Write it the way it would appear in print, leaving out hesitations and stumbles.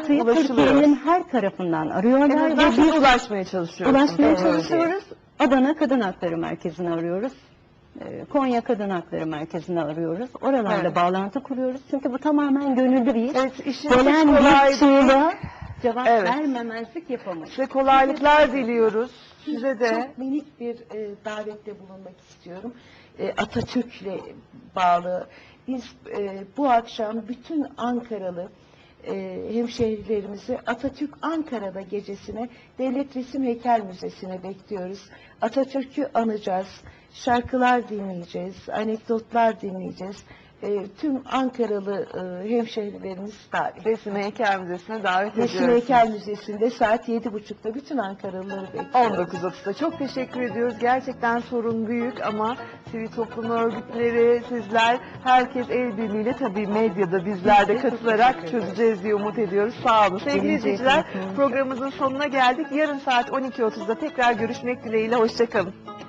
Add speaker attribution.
Speaker 1: bağlantıyı Türkiye'nin her tarafından arıyorlar.
Speaker 2: En azından siz ulaşmaya çalışıyoruz.
Speaker 1: Ulaşmaya çalışıyoruz. Adana Kadın Hakları Merkezi'ni arıyoruz. Konya Kadın Hakları Merkezi'ni arıyoruz. Oralarla bağlantı kuruyoruz. Çünkü bu tamamen gönüllü bir iş.
Speaker 2: Evet, işin
Speaker 1: gelen
Speaker 2: kolay
Speaker 1: bir çığlığa cevap
Speaker 2: Evet.
Speaker 1: vermemezlik yapamayız.
Speaker 2: Size kolaylıklar diliyoruz. Size de.
Speaker 3: Çok minik bir davette bulunmak istiyorum. Atatürk'le bağlı. Biz bu akşam bütün Ankaralı hemşehrilerimizi Atatürk Ankara'da gecesine Devlet Resim Heykel Müzesi'ne bekliyoruz. Atatürk'ü anacağız, şarkılar dinleyeceğiz, anekdotlar dinleyeceğiz. Tüm Ankaralı hemşehrilerimiz davet.
Speaker 2: Resim Heykel Müzesi'ne davet ediyoruz.
Speaker 3: Resim Heykel Müzesi'nde saat 7.30'da bütün Ankaralıları bekliyoruz.
Speaker 2: 19.30'da. Çok teşekkür ediyoruz. Gerçekten sorun büyük ama sivil toplum örgütleri, sizler, herkes el birliğiyle tabii medyada bizler de katılarak çözeceğiz diye umut ediyoruz. Sağ olun. Sevgili izleyiciler, programımızın sonuna geldik. Yarın saat 12.30'da tekrar görüşmek dileğiyle. Hoşça kalın.